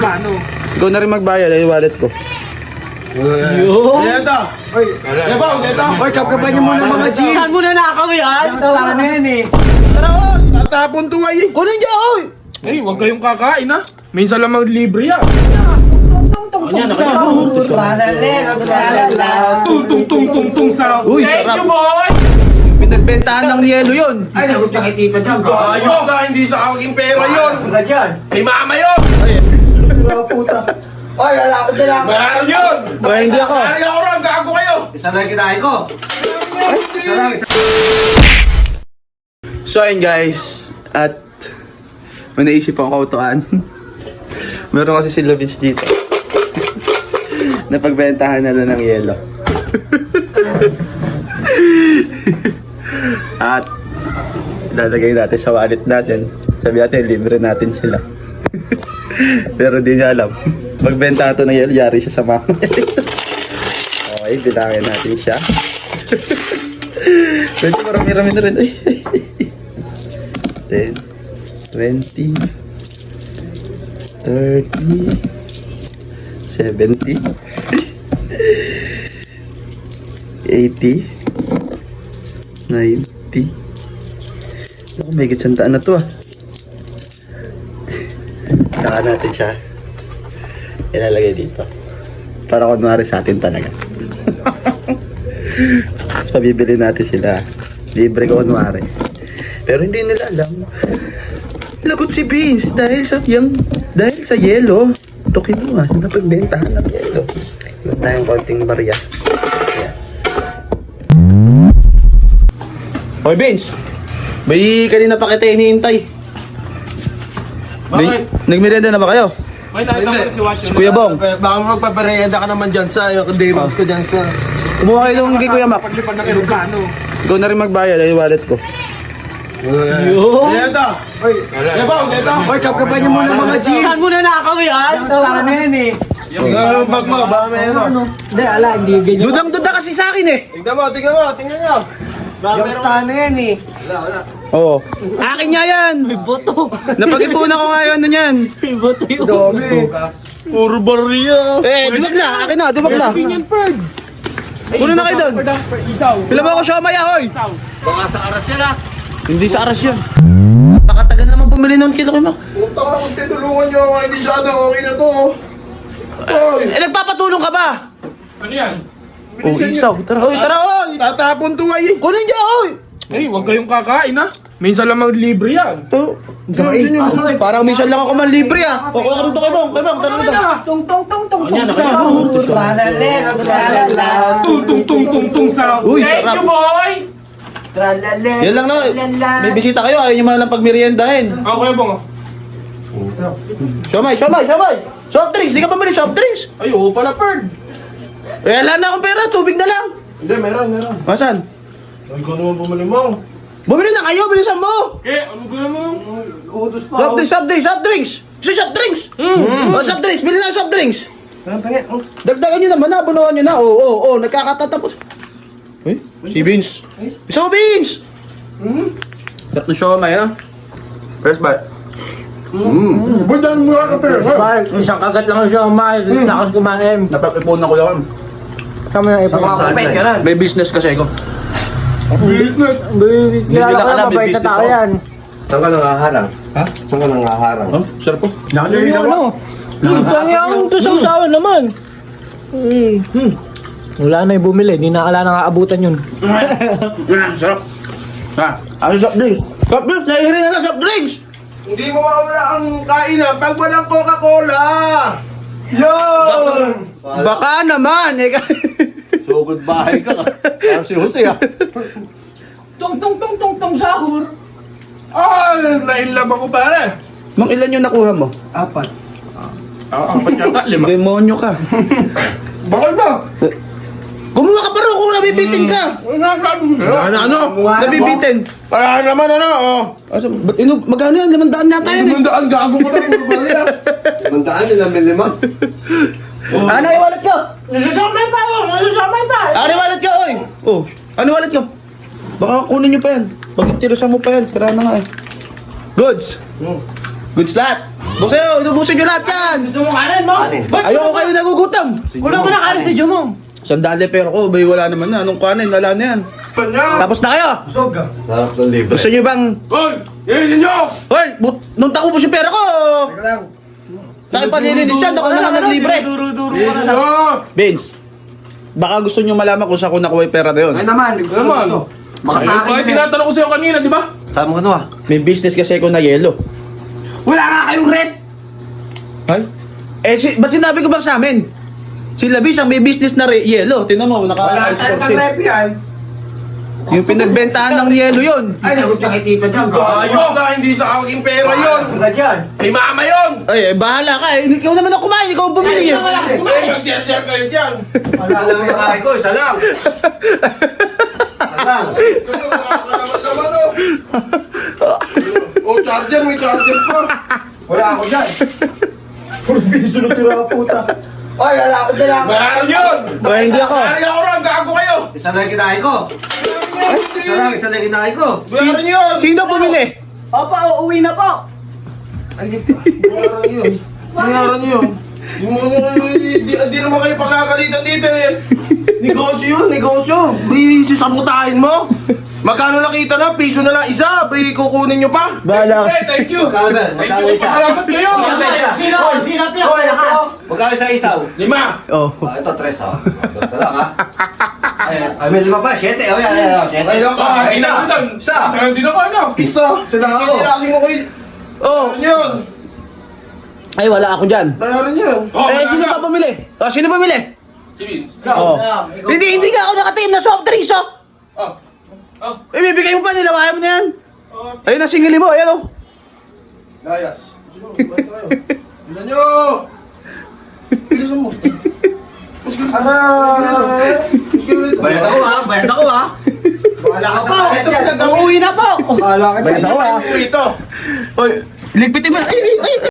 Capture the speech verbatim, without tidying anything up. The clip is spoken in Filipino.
Ano? Ikaw na rin magbayad, ay wallet ko. Yun! Ito! Oy! Ito! Ito! Oy, kapkapan niyo muna mga G! Saan mo na nakaw yan? Tara na yan eh! Tara, oy! Tatapon to ay! Kunin dyan, oy! Ay, huwag kayong kakain ha. Minsan lang mag-libre yan. Tung tung tung tung tung sa... Uy, Thank sarap. you, boy! Pinagbentahan ng yelo yun. Ay, nagot ka kay tita dyan! Ayun ka! Hindi sa aking pera yun! Ano ka dyan? Ay mama yun! Mga puta! Oy, lalakad na lang! Meron yun! Ba, hindi ako. Meron ako ron! Gago kayo! Isa lang kinain ko! Isa lang! So ayun guys, at may naisip akong kautuan. Meron kasi si Vince dito. Napagbentahan na lang ng yelo. At ilalagay natin sa wallet natin. Sabi natin, libre natin sila. Pero di niya alam. Magbenta ito ng yelo, yari siya sa mama. Okay, bilangin natin siya. Medyo marami-rami na rin. Ay, ay, ay. ten, twenty, thirty, seventy, eighty, ninety. Naku, may gitsantaan na to ah. Saka natin siya ilalagay dito. Para kunwari sa atin talaga. Tapos pabibili natin sila. Libre ko kunwari. Pero hindi nila alam. Lagot si Vince dahil sa yung dahil sa yelo. Ito kinuha sa napagbentahan ng yelo. Meron tayong konting barya. Ayan. Hoy Vince! May kanina pa kita hinihintay. Bakit? Nagmerienda na ba kayo? May nakita ko si Watch. Si Kuya Bong. Baka magpaparehenda ka naman dyan sa yung demons ko dyan sa... Umuha kayo yung kay Kuya Mac. Paglipad ng Ilocano. Ikaw na rin magbayad, ay wallet ko. Yun! Ito! Oy! Ito! Ito! Oy, kapkapan niyo muna mga G! Saan mo na nakaw yan? Tara na yan eh! Yung bag mo, baka meron. Hindi, ala, hindi ganyan. Dudang-duda kasi sa akin eh. Tingnan mo, tingnan mo, tingnan nyo. Baka Yung meron. stand na yan eh! Oo. Akin nga yan. May boto. Napag-ipunan ko nga yun, ano yan. May boto yun. Dami! Puro barya. Eh, duwag na. Akin na, duwag na. Opinion bird. Puno na kayo doon. Isaw. Pila ba ako siomay ahoy? Isaw. Baka sa aras yan ah! Hindi sa aras yun. Nakatagal naman bumili noon kilo kay Mac. Punta ka, kung tinulungan nyo ako, hindi siya na okay na to. Oy! Eh, nagpapatulong ka ba? Ano yan? Oh, isaw. Tara, oy, tara, oy. Tatapon to ay. Kunin dyan, oy. Ay, huwag kayong kakain ha. Minsan lang mag-libre yan. Ito. Parang minsan lang ako man libre ah. O, kuha ka rito kay Bong. Kay Bong, tara rito. Tung tung tung tung tung sa Tralalero, tralala! Tung tung tung tung tung sa Uy, Thank sarap. you, boy! Tralalero! Yan lang na. May bisita kayo. Ayaw nyo man lang pagmeriendahin. Ako yung bong. Siomay, siomay, siomay. Soft drinks. Di ka pa mali soft drinks. Ay, oo pala, bird. Eh, wala na akong pera. Tubig na lang. Hindi, meron, meron. Masan? Ay, ko naman bumili mo. Bumili na kayo. Bilisan mo. Okay, ano ba mo? Utos pa Soft drinks, soft drinks, soft drinks. Gusto soft drinks? Mm. Oh, soft drinks. Bili na soft drinks. Dagdagan nyo naman na. Bunuhan nyo na. Oo, oo, oo. Nagkakatatapos. Uy, si Vince. Isa mo, Vince. Sarap na siomay, ha? First bite. Budan mo ka, pero. Isang kagat lang siya, Mike. Lakas kumain. Napag-ipunan ko lang. Kami yung ipon. Makakapit ka rin! May business kasi ako. Business. Business. Hindi Kaya na ako alam, may mabait na business tao ako. yan. Saan ka nangaharang? Ha? Saan ka nangaharang? Oh, sarap po. Yung ano? Minsan yung tusaw-sawan naman. Hmm. Wala na yung bumili. Di na ala nang aabutan yun. Ah, sarap. Ha? Ano soft drinks? Soft drinks! Nahihirin na lang soft drinks! Hindi mo mawala ang kainan pag walang Coca-Cola. Yo! Baka naman, eh. Sugod bahay ka ka. Parang si Jose ah. Tung tung tung tung tung sahur. Ay, nainlab ako pare. Mang ilan yung nakuha mo? Apat. Ah, apat yata, lima. Demonyo ka. Bakit ba? Gumawa ka pa rin kung nabibitin ka. Ano, ano? Nabibitin. Para naman, ano, oh. Asa, ba't inu, magkano yan? Limandaan yata yan eh. Limandaan, gago ko na, puro barya. Limandaan nila may lima. Ano yung wallet ko? Nasusamay pa ako! Nasusamay pa! Ano yung wallet ko, oy? Oh, ano yung wallet ko? Baka kunin nyo pa yan. Pag tirusan mo pa yan, sira na nga eh. Goods. Goods lahat. Busayo, inubusin nyo lahat yan. Gusto mo kanin mo? Ba't Ayoko kayo nagugutom. kulang mo na kanin sa Jumong? Sandali pero ko, bay wala naman na. Anong kanin, wala na yan. Kanya! Tapos na kayo. Busog ka. Sarap ng libre. Gusto nyo bang... Hoy! Iinin nyo! Hoy, but, nung tako po si pera ko. Teka lang. Nakipalilinis siya, ako na lang naglibre. Duro-duro ka Iinin na. nyo! Vince, baka gusto nyo malaman kung saan ko nakuha yung pera na yun. Ngayon naman, gusto Ano mo naman? gusto. Baka sa Ay, akin ay, na. tinatanong ko sa'yo kanina, di ba? Saan mo ano ah? May business kasi ako na yelo. Wala nga kayong rent! Ay? Eh, si, ba't sinabi ko ba sa amin? Si Labis ang may business na re- yelo. Tinan mo, Wala tayong naka pang-rep yan. Yung pinagbentahan ng yelo yun. Ay, nagot ka kay tita dyan. Ayok na, hindi sa aking pera yun! Wala dyan. Ay, mama yun! Ay, eh, bahala ka. Eh, ikaw naman ang kumain, ikaw ang bumili. Ay, eh. wala ka Ay, kumain. mag-share kayo dyan! Wala lang yung kain ko, isa lang. Isa lang. Kayo, nakakalaman naman, oh! Oh, charger, may charger pa! Wala ako dyan. Puro biso na tira puta. Ay, wala ako dyan ako. Bayaran yun! Ay, hindi ako. Bayaran ako rin, gago kayo! Isa lang yung kinain ko. Isa lang, isa lang yung kinain ko. Bayaran yun! Sino bumili? Opo, uuwi na po. Bayaran yun! Bayaran yun! Yung mga, di, di naman kayo pagkakalitan dito eh! Negosyo yun, negosyo! May sisabutahin mo! Magkano nakita na? Piso na lang isa! Pre, kukunin nyo pa! Bahala ka. Eh, thank you! Magkano ba? Magkano isa? Salamat kayo! Magkano isa? Sino? Sino Hoy, pinakalakas? ako. Magkano isa isaw? Lima! Oh. Ah, ito, tres ha. Basta lang ha. Ay, ay, may lima pa. Siyete. Oh, yan, yan, yan. Siyete. Ay, lang ka! Ah, Isa! isa. Isa! Isa lang din ako, ano? Isa! Isa lang ako. Sinilaki mo kayo! Oh. Bayaran yun! Ay, wala ako dyan. Bayaran yun! Oh, eh, sino pa bumili? Oh, sino bumili? Si Vince! Oh. Hindi, hindi nga ako nakatim na soft drinks, oh. Oh! Oh! Eh, bibigay mo pa, nilawayan mo na yan. Oh! Ayun ang singili mo, ayan, oh. Layas! Basta kayo! Bilan nyo! Bilisan mo! Aray! Bayad ako ha. Bayad ako ha. Bahala ka sa kain Ito, dyan. pinagdamo Uuwi na po. Bahala ka dyan. Bayad ako, ha. ito! Oy, ligpitin mo. Ay, ay, ay.